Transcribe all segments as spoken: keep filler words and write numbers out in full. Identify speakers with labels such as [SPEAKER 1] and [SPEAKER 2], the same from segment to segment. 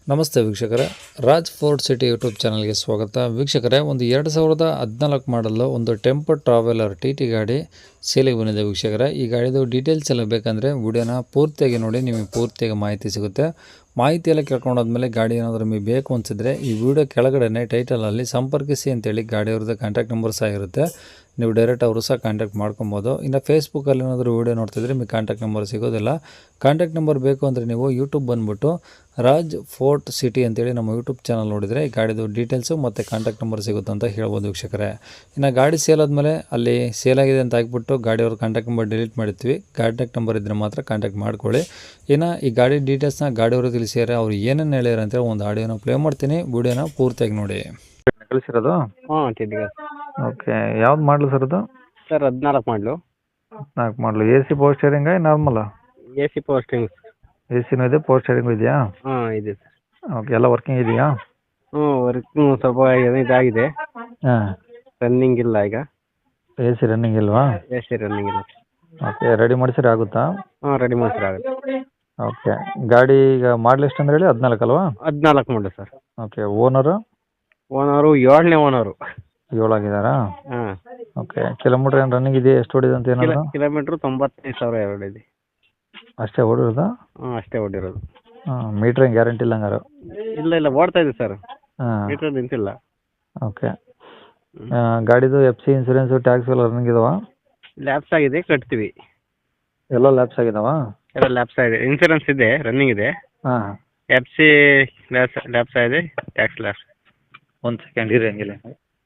[SPEAKER 1] ನಮಸ್ತೆ ವೀಕ್ಷಕರೇ, Raj fort city YouTube ಚಾನಲ್ಗೆ ಸ್ವಾಗತ. ವೀಕ್ಷಕರೇ, ಒಂದು ಎರಡು ಸಾವಿರದ ಹದಿನಾಲ್ಕು ಮಾಡಲು ಒಂದು ಟೆಂಪೋ ಟ್ರಾವೆಲರ್ ಟಿ ಟಿ ಗಾಡಿ ಸೇಲಿಗೆ ಬಂದಿದೆ. ವೀಕ್ಷಕರೇ, ಈ ಗಾಡಿದು ಡೀಟೇಲ್ಸ್ ಎಲ್ಲ ಬೇಕಂದರೆ ವಿಡಿಯೋನ ಪೂರ್ತಿಯಾಗಿ ನೋಡಿ, ನಿಮಗೆ ಪೂರ್ತಿಯಾಗಿ ಮಾಹಿತಿ ಸಿಗುತ್ತೆ. ಮಾಹಿತಿ ಎಲ್ಲ ಕೇಳ್ಕೊಂಡಾದ್ಮೇಲೆ ಗಾಡಿ ಏನಾದರೂ ನಿಮಗೆ ಬೇಕು ಅನಿಸಿದ್ರೆ ಈ ವಿಡಿಯೋ ಕೆಳಗಡೆ ಟೈಟಲಲ್ಲಿ ಸಂಪರ್ಕಿಸಿ ಅಂತೇಳಿ ಗಾಡಿಯವ್ರದ್ದು ಕಾಂಟ್ಯಾಕ್ಟ್ ನಂಬರ್ ಸಹ ಇರುತ್ತೆ. ನೀವು ಡೈರೆಕ್ಟ್ ಅವರು ಸಹ ಕಾಂಟ್ಯಾಕ್ಟ್ ಮಾಡ್ಕೊಬೋದು. ಇನ್ನು ಫೇಸ್ಬುಕ್ಕಲ್ಲಿ ಏನಾದರೂ ವೀಡಿಯೋ ನೋಡ್ತಿದ್ರೆ ನಿಮಗೆ ಕಾಂಟ್ಯಾಕ್ಟ್ ನಂಬರ್ ಸಿಗೋದಿಲ್ಲ. ಕಾಂಟ್ಯಾಕ್ಟ್ ನಂಬರ್ ಬೇಕು ಅಂದರೆ ನೀವು ಯೂಟ್ಯೂಬ್ ಬಂದುಬಿಟ್ಟು ರಾಜ್ ಫೋರ್ಟ್ ಸಿಟಿ ಅಂತೇಳಿ ನಮ್ಮ ಯೂಟ್ಯೂಬ್ ಚಾನಲ್ ನೋಡಿದರೆ ಈ ಗಾಡಿದು ಡೀಟೇಲ್ಸು ಮತ್ತು ಕಾಂಟ್ಯಾಕ್ಟ್ ನಂಬರ್ ಸಿಗುತ್ತೆ ಅಂತ ಹೇಳ್ಬೋದು ವೀಕ್ಷಕರೇ. ಇನ್ನು ಗಾಡಿ ಸೇಲ್ ಆದಮೇಲೆ ಅಲ್ಲಿ ಸೇಲ್ ಆಗಿದೆ ಅಂತ ಹಾಕ್ಬಿಟ್ಟು ಗಾಡಿಯವ್ರ ಕಾಂಟ್ಯಾಕ್ಟ್ ನಂಬರ್ ಡಿಲೀಟ್ ಮಾಡಿರ್ತೀವಿ. ಕಾಂಟ್ಯಾಕ್ಟ್ ನಂಬರ್ ಇದ್ದರೆ ಮಾತ್ರ ಕಾಂಟ್ಯಾಕ್ಟ್ ಮಾಡ್ಕೊಳ್ಳಿ. ಇನ್ನು ಈ ಗಾಡಿ ಡೀಟೇಲ್ಸ್ನ ಗಾಡಿಯವರು ತಿಳಿಸಿದ್ದಾರೆ, ಅವ್ರು ಏನೇನು ಹೇಳ್ಯಾರ ಅಂತೇಳಿ ಒಂದು ಆಡಿಯೋನ ಪ್ಲೇ ಮಾಡ್ತೀನಿ, ವಿಡಿಯೋನ ಪೂರ್ತಿಯಾಗಿ ನೋಡಿ. ಕಳಿಸಿರೋದು
[SPEAKER 2] ಹಾಂ ತಿಂಡಿಗೆ
[SPEAKER 1] ಓಕೆ. ಯಾವ್ದು ಮಾಡಲು ಸರ್ ಅದು?
[SPEAKER 2] ಸರ್ ಹದಿನಾಲ್ಕು ಮಾಡಲು
[SPEAKER 1] ನಾಲ್ಕು ಮಾಡಲು. ಎ ಸಿ ಪವರ್ ಸ್ಟೇರಿಂಗ ನಾರ್ಮಲ್ಲ?
[SPEAKER 2] A C power steering.
[SPEAKER 1] A ಸಿನೂ ಇದೆ, ಪವರ್ ಸ್ಟೇರಿಂಗು ಇದೆಯಾ?
[SPEAKER 2] ಹಾಂ ಇದೆ ಸರ್.
[SPEAKER 1] ಓಕೆ, ಎಲ್ಲ ವರ್ಕಿಂಗ್ ಇದೆಯಾ?
[SPEAKER 2] ಹ್ಞೂ ವರ್ಕಿಂಗ್ ಸ್ವಲ್ಪ ಏನೋ ಇದಾಗಿದೆ,
[SPEAKER 1] ಹಾಂ.
[SPEAKER 2] ರನ್ನಿಂಗ್ ಇಲ್ಲ ಈಗ.
[SPEAKER 1] ಎ ಸಿ ರನ್ನಿಂಗ್ ಇಲ್ವಾ?
[SPEAKER 2] ಎ ಸಿ ರನ್ನಿಂಗ್ ಇಲ್ಲ.
[SPEAKER 1] ಓಕೆ, ರೆಡಿ ಮಾಡಿಸಿದ್ರೆ ಆಗುತ್ತಾ?
[SPEAKER 2] ಹಾಂ ರೆಡಿ ಮಾಡಿಸ್ರೆ ಆಗುತ್ತೆ.
[SPEAKER 1] ಓಕೆ, ಗಾಡಿ ಈಗ ಮಾಡಲ್ ಎಷ್ಟು ಅಂದ್ರೆ ಹೇಳಿ? ಹದಿನಾಲ್ಕು ಅಲ್ವಾ?
[SPEAKER 2] ಹದಿನಾಲ್ಕು ಮಾಡಲು ಸರ್.
[SPEAKER 1] Okay, owner?
[SPEAKER 2] ಓನರು ಏಳನೇ ಓನರು.
[SPEAKER 1] ಏಳಾಗಿದ್ದಾರಾ?
[SPEAKER 2] ಹಾಂ.
[SPEAKER 1] ಓಕೆ, ಕಿಲೋಮೀಟ್ರ್ ಏನು ರನ್ನಿಂಗ್ ಇದೆ? ಎಷ್ಟು ಹೊಡಿದೆ ಅಂತ
[SPEAKER 2] ಕಿಲೋ
[SPEAKER 1] ಏನಾದ್ರು?
[SPEAKER 2] ಕಿಲೋಮೀಟ್ರ್ ತೊಂಬತ್ತೈದು ಸಾವಿರ ಎರಡು ಇದೆ.
[SPEAKER 1] ಅಷ್ಟೇ ಓಡಿರೋದಾ?
[SPEAKER 2] ಹಾಂ ಅಷ್ಟೇ ಓಡಿರೋದು.
[SPEAKER 1] ಹಾಂ, ಮೀಟ್ರ್ ಏನು ಗ್ಯಾರಂಟಿ ಇಲ್ಲ ಹಂಗಾರು?
[SPEAKER 2] ಇಲ್ಲ ಇಲ್ಲ ಓಡ್ತಾ ಇದೆ ಸರ್,
[SPEAKER 1] ಹಾಂ.
[SPEAKER 2] ಮೀಟರ್ ನಿಂತಿಲ್ಲ.
[SPEAKER 1] ಓಕೆ, ಗಾಡಿದು ಎಫ್ ಸಿ ಇನ್ಸೂರೆನ್ಸು ಟ್ಯಾಕ್ಸ್ ಎಲ್ಲ ರನ್ನಿಂಗ್ ಇದಾವ?
[SPEAKER 2] ಲ್ಯಾಪ್ಸ್ ಆಗಿದೆ, ಕಟ್ತೀವಿ.
[SPEAKER 1] ಎಲ್ಲ ಲ್ಯಾಪ್ಸ್ ಆಗಿದಾವ?
[SPEAKER 2] ಎಲ್ಲ ಲ್ಯಾಪ್ಸ್ ಆಗಿದೆ, ಇನ್ಸೂರೆನ್ಸ್ ಇದೆ, ರನ್ನಿಂಗ್ ಇದೆ.
[SPEAKER 1] ಹಾಂ.
[SPEAKER 2] ಎಫ್ ಸಿ ಲ್ಯಾಪ್ಸ್ ಲ್ಯಾಪ್ಸ್ ಆಗಿದೆ, ಟ್ಯಾಕ್ಸ್ ಲ್ಯಾಪ್ಸ್.
[SPEAKER 1] ಒಂದು ಸೆಕೆಂಡ್ ಇರಿ ಹಂಗಿಲ್ಲ.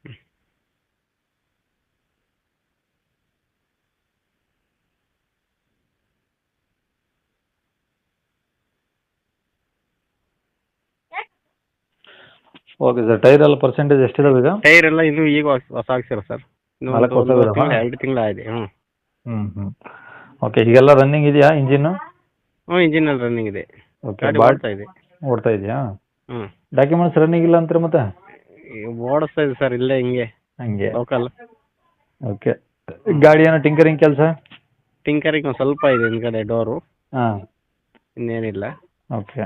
[SPEAKER 1] ಓಕೆ ಸರ್, ಟೈರ್ ಎಲ್ಲ ಪರ್ಸೆಂಟೇಜ್ ಎಷ್ಟಿದಾವೆ ಈಗ?
[SPEAKER 2] ಟೈರ್ ಎಲ್ಲ ಇನ್ನೂ ಈಗ ಹೊಸ ಹೊಸ ಹಾಕ್ಸಿರೋ ಸರ್. ಇನ್ನೂ
[SPEAKER 1] ನಾಲ್ಕು
[SPEAKER 2] ಒಂದು
[SPEAKER 1] ಹೊಸ
[SPEAKER 2] ಒಂದು
[SPEAKER 1] ಇದಾವಾ?
[SPEAKER 2] ತಿಂಗಳು ಎರಡು ತಿಂಗಳು ಆಗಿದೆ. ಹ್ಞೂ
[SPEAKER 1] ಹ್ಞೂ ಹ್ಞೂ ಓಕೆ, ಈಗೆಲ್ಲ ರನ್ನಿಂಗ್ ಇದೆಯಾ ಇಂಜಿನ್ನು?
[SPEAKER 2] ಹ್ಞೂ ಇಂಜಿನ್ ಅಲ್ಲಿ ರನ್ನಿಂಗ್ ಇದೆ,
[SPEAKER 1] ಓಕೆ,
[SPEAKER 2] ಗಾಡಿ
[SPEAKER 1] ಬಾಡ್
[SPEAKER 2] ಓಡ್ತಾ ಇದೆ.
[SPEAKER 1] ಓಡ್ತಾ ಇದೆಯಾ?
[SPEAKER 2] ಹ್ಞೂ
[SPEAKER 1] ಡಾಕ್ಯುಮೆಂಟ್ಸ್ ರನ್ನಿಂಗ್ ಇಲ್ಲ ಅಂತಾರೆ ಮತ್ತೆ?
[SPEAKER 2] ಓಡಿಸ್ತಾ ಇದೆ ಸರ್, ಇಲ್ಲೇ ಹಿಂಗೆ
[SPEAKER 1] ಹಂಗೆ.
[SPEAKER 2] ಲೋಕಲ್.
[SPEAKER 1] ಓಕೆ, ಗಾಡಿ ಏನೋ ಟಿಂಕರಿಂಗ್ ಕೆಲಸ?
[SPEAKER 2] ಟಿಂಕರಿಂಗ್ ಒಂದು ಸ್ವಲ್ಪ ಇದೆ ಹಿಂದ್ಗಡೆ ಡೋರು,
[SPEAKER 1] ಹಾಂ.
[SPEAKER 2] ಇನ್ನೇನಿಲ್ಲ.
[SPEAKER 1] ಓಕೆ,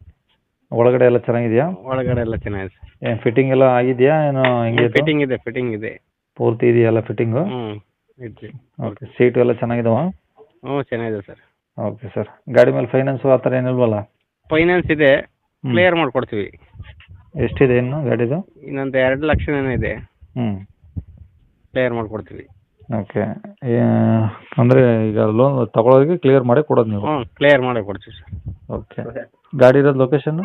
[SPEAKER 1] ಒಳಗಡೆ ಎಲ್ಲ ಚೆನ್ನಾಗಿದೆಯಾ?
[SPEAKER 2] ಒಳಗಡೆ ಎಲ್ಲ ಚೆನ್ನಾಗಿದೆ ಸರ್.
[SPEAKER 1] ಏನು ಫಿಟ್ಟಿಂಗ್ ಎಲ್ಲ ಆಗಿದೆಯಾ ಏನೋ ಹೆಂಗೆ?
[SPEAKER 2] ಫಿಟ್ಟಿಂಗ್ ಇದೆ, ಫಿಟ್ಟಿಂಗ್ ಇದೆ.
[SPEAKER 1] ಪೂರ್ತಿ ಇದೆಯಲ್ಲ ಫಿಟ್ಟಿಂಗು?
[SPEAKER 2] ಹ್ಞೂ ಇದೆ.
[SPEAKER 1] ಓಕೆ, ಸೀಟು ಎಲ್ಲ ಚೆನ್ನಾಗಿದಾವ?
[SPEAKER 2] ಹ್ಞೂ ಚೆನ್ನಾಗಿದೆ ಸರ್.
[SPEAKER 1] ಓಕೆ ಸರ್, ಗಾಡಿ ಮೇಲೆ ಫೈನಾನ್ಸು ಆ ಥರ ಏನಿಲ್ವಲ್ಲ?
[SPEAKER 2] ಫೈನಾನ್ಸ್ ಇದೆ, ಕ್ಲಿಯರ್ ಮಾಡಿಕೊಡ್ತೀವಿ.
[SPEAKER 1] ಎಷ್ಟಿದೆ ಇನ್ನು ಗಾಡಿದು?
[SPEAKER 2] ಇನ್ನೊಂದು ಎರಡು ಲಕ್ಷ ಏನೋ ಇದೆ,
[SPEAKER 1] ಹ್ಞೂ
[SPEAKER 2] ಕ್ಲಿಯರ್ ಮಾಡಿಕೊಡ್ತೀವಿ.
[SPEAKER 1] ಓಕೆ, ಅಂದರೆ ಈಗ ಲೋನ್ ತಗೊಳ್ಳೋರಿಗೆ ಕ್ಲಿಯರ್ ಮಾಡಿ ಕೊಡೋದು ನೀವು?
[SPEAKER 2] ಹ್ಞೂ ಕ್ಲಿಯರ್ ಮಾಡಿ ಕೊಡ್ತೀವಿ ಸರ್.
[SPEAKER 1] ಓಕೆ, ಗಾಡಿ ಇರೋದು ಲೊಕೇಶನ್ನು?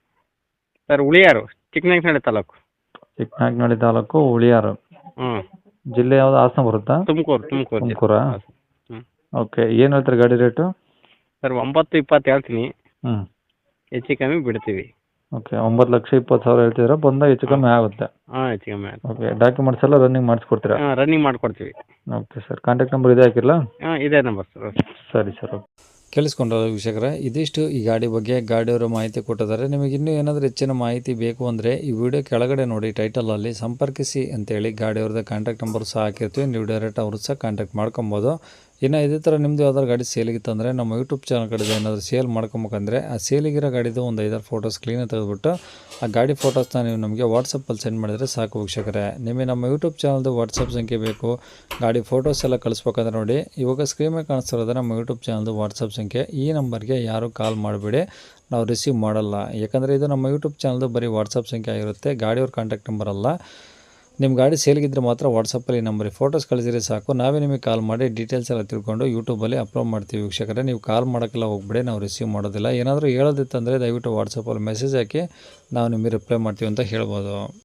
[SPEAKER 2] ಸರ್ ಉಳಿಯಾರು, ಚಿಕ್ಕನಾಯಕನಹಳ್ಳಿ ತಾಲೂಕು.
[SPEAKER 1] ಚಿಕ್ಕನಾಯಕನಹಳ್ಳಿ ತಾಲೂಕು, ಉಳಿಯಾರು.
[SPEAKER 2] ಹ್ಞೂ
[SPEAKER 1] ಜಿಲ್ಲೆ ಯಾವುದು? ಹಾಸನ ಬರುತ್ತಾ?
[SPEAKER 2] ತುಮಕೂರು ತುಮಕೂರು
[SPEAKER 1] ತುಮಕೂರಾ?
[SPEAKER 2] ಹ್ಞೂ
[SPEAKER 1] ಓಕೆ, ಏನು ಹೇಳ್ತಾರೆ ಗಾಡಿ ರೇಟು?
[SPEAKER 2] ಸರ್ ಒಂಬತ್ತು ಇಪ್ಪತ್ತು ಹೇಳ್ತೀನಿ,
[SPEAKER 1] ಹ್ಞೂ
[SPEAKER 2] ಹೆಚ್ಚು ಕಮ್ಮಿ ಬಿಡ್ತೀವಿ.
[SPEAKER 1] ಓಕೆ, ಒಂಬತ್ತು ಲಕ್ಷ ಇಪ್ಪತ್ತು ಸಾವಿರ ಹೇಳ್ತಿದ್ದೀರಾ, ಬಂದಾಗ ಹೆಚ್ಚು ಕಮ್ಮಿ ಆಗುತ್ತೆ?
[SPEAKER 2] ಹಾಂ ಹೆಚ್ಚು ಕಮ್ಮಿ ಆಗುತ್ತೆ.
[SPEAKER 1] ಓಕೆ, ಡಾಕ್ಯುಮೆಂಟ್ಸ್ ಎಲ್ಲ ರನ್ನಿಂಗ್ ಮಾಡಿಸ್ಕೊಡ್ತೀರಾ?
[SPEAKER 2] ಹಾಂ ರನ್ನಿಂಗ್ ಮಾಡಿಕೊಡ್ತೀವಿ.
[SPEAKER 1] ಓಕೆ ಸರ್, ಕಾಂಟ್ಯಾಕ್ಟ್ ನಂಬರ್ ಇದೆ ಹಾಕಿರಲಾ?
[SPEAKER 2] ಹಾಂ ಇದೇ ನಂಬರ್ ಸರ್.
[SPEAKER 1] ಸರಿ ಸರ್, ಓಕೆ. ಕೇಳಿಸ್ಕೊಂಡ್ರಲ್ಲ ವೀಕ್ಷಕರೇ, ಇದಿಷ್ಟು ಈ ಗಾಡಿ ಬಗ್ಗೆ ಗಾಡಿಯವರು ಮಾಹಿತಿ ಕೊಟ್ಟಿದ್ದಾರೆ. ನಿಮಗೆ ಇನ್ನೂ ಏನಾದರೂ ಹೆಚ್ಚಿನ ಮಾಹಿತಿ ಬೇಕು ಅಂದರೆ ಈ ವಿಡಿಯೋ ಕೆಳಗಡೆ ನೋಡಿ ಟೈಟಲಲ್ಲಿ ಸಂಪರ್ಕಿಸಿ ಅಂತೇಳಿ ಗಾಡಿಯವ್ರದ್ದು ಕಾಂಟ್ಯಾಕ್ಟ್ ನಂಬರ್ ಸಹ ಹಾಕಿರ್ತೀವಿ. ನೀವು ಡೈರೆಕ್ಟ್ ಅವರು ಸಹ ಕಾಂಟ್ಯಾಕ್ಟ್ ಮಾಡ್ಕೊಬೋದು. ಇನ್ನು ಇದೇ ಥರ ನಿಮ್ಮದು ಯಾವ್ದಾದ್ರು ಗಾಡಿ ಸೇಲಿಗಿತ್ತಂದರೆ ನಮ್ಮ ಯೂಟ್ಯೂಬ್ ಚಾನಲ್ ಕಡೆ ಏನಾದರೂ ಸೇಲ್ ಮಾಡ್ಕೊಬೇಕಂದ್ರೆ ಆ ಸೇಲಿಗಿರೋ ಗಾಡಿದು ಒಂದು ಐದಾರು ಫೋಟೋಸ್ ಕ್ಲೀನಾಗಿ ತೆಗೆದುಬಿಟ್ಟು ಆ ಗಾಡಿ ಫೋಟೋಸ್ನ ನೀವು ನಮಗೆ ವಾಟ್ಸಪ್ಪಲ್ಲಿ ಸೆಂಡ್ ಮಾಡಿದರೆ ಸಾಕು ವೀಕ್ಷಕರೇ. ನಿಮಗೆ ನಮ್ಮ ಯೂಟ್ಯೂಬ್ ಚಾನಲ್ದು ವಾಟ್ಸಪ್ ಸಂಖ್ಯೆ ಬೇಕು, ಗಾಡಿ ಫೋಟೋಸ್ ಎಲ್ಲ ಕಳಿಸ್ಬೇಕಂದ್ರೆ ನೋಡಿ ಇವಾಗ ಸ್ಕ್ರೀನ್ ಮೇಲೆ ಕಾಣಿಸ್ತಿರೋದು ನಮ್ಮ ಯೂಟ್ಯೂಬ್ ಚಾನಲ್ದು ವಾಟ್ಸಪ್ ಸಂಖ್ಯೆ. ಈ ನಂಬರ್ಗೆ ಯಾರು ಕಾಲ್ ಮಾಡಿಬಿಡಿ, ನಾವು ರಿಸೀವ್ ಮಾಡಲ್ಲ. ಯಾಕಂದರೆ ಇದು ನಮ್ಮ ಯೂಟ್ಯೂಬ್ ಚಾನಲ್ದು ಬರೀ ವಾಟ್ಸಪ್ ಸಂಖ್ಯೆ ಆಗಿರುತ್ತೆ, ಗಾಡಿಯವ್ರ ಕಾಂಟ್ಯಾಕ್ಟ್ ನಂಬರ್ ಅಲ್ಲ. ನಿಮ್ಮ ಗಾಡಿ ಸೇಲ್ಗಿದ್ರೆ ಮಾತ್ರ ವಾಟ್ಸಪ್ಪಲ್ಲಿ ನಂಬರಿಗೆ ಫೋಟೋಸ್ ಕಳಿಸಿದ್ರೆ ಸಾಕು, ನಾವೇ ನಿಮಗೆ ಕಾಲ್ ಮಾಡಿ ಡೀಟೇಲ್ಸ್ ಎಲ್ಲ ತಿಳ್ಕೊಂಡು ಯೂಟ್ಯೂಬಲ್ಲಿ ಅಪ್ಲೋಡ್ ಮಾಡ್ತೀವಿ ವೀಕ್ಷಕರೇ. ನೀವು ಕಾಲ್ ಮಾಡೋಕ್ಕೆಲ್ಲ ಹೋಗ್ಬಿಡಿ, ನಾವು ರಿಸೀವ್ ಮಾಡೋದಿಲ್ಲ. ಏನಾದರೂ ಹೇಳೋದಿತ್ತಂದರೆ ದಯವಿಟ್ಟು ವಾಟ್ಸಪ್ಪಲ್ಲಿ ಮೆಸೇಜ್ ಹಾಕಿ ನಾವು ನಿಮಗೆ ರಿಪ್ಲೈ ಮಾಡ್ತೀವಿ ಅಂತ ಹೇಳ್ಬೋದು.